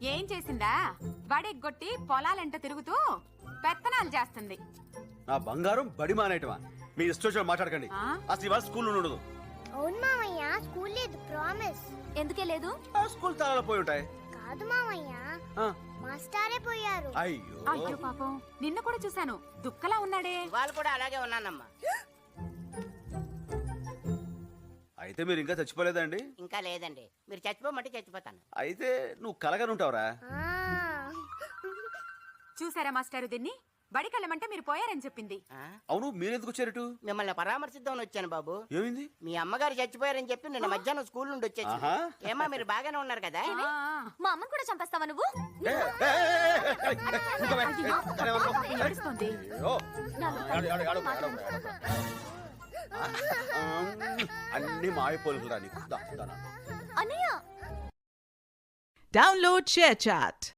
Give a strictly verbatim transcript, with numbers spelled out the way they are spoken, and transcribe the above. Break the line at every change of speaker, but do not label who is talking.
ఏం చేసిందా? వడెగ్గొట్టి పొలాలెంట తిరుగుతూ పెత్తనాలు చేస్తుంది.
నా బంగారం బడి మానేయటమా? మీ ఇష్టం మాట్లాడకండి.
ఆ?
అసలు ఇవాళ స్కూల్ ఉండదు.
అవును మామయ్య, స్కూల్ లేదు, ప్రామిస్.
ఎందుకే లేదు?
ఆ స్కూల్ తాళాలు పోయి ఉంటాయి.
కాదు మామయ్య,
ఆ,
మాస్టారే పోయారు.
అయ్యో
అయ్యో పాపం, నిన్న కూడా చూశాను, దుక్కలా ఉన్నాడే.
వాళ్ళు కూడా అలాగే ఉన్నానమ్మా.
అయితే మీరు ఇంకా చచ్చిపోలేదండి?
ఇంకా లేదండి, మీరు చచ్చిపోమంటే చచ్చిపోతాను.
అయితే నువ్వు కలగనుంటావురా?
ఆ.
చూసారా మాస్టారు, దీన్ని బడికెళ్ళమంటే మీరు పోయారని చెప్పింది.
ఆ?
అవును, మీరెందుకు వచ్చారటు?
మిమ్మల్ని పరామర్శిద్దామని వచ్చాను బాబు.
ఏమైంది?
మీ అమ్మగారు చచ్చిపోయారని చెప్పి నిన్న మధ్యాహ్నం స్కూల్ నుండి వచ్చేసి.
ఆహా.
ఏమా మీరు బాగానే ఉన్నారు కదా?
ఆ,
మా అమ్మని కూడా చంపేస్తావా నువ్వు?
ఏ, ఏ, ఏ, ఏ, ఏ, ఏ, ఊరుకోవే.
అయ్యో,
సరే, ఊరుకో.
పాపం ఏడుస్తోంది.
అయ్యో. ఏడు, ఏడు, ఏడు, ఏడు, ఏడు. ఆ, అన్ని మాయపోలురా నీకు. దా, దా, నా.
అన్నయ్య
Download ShareChat.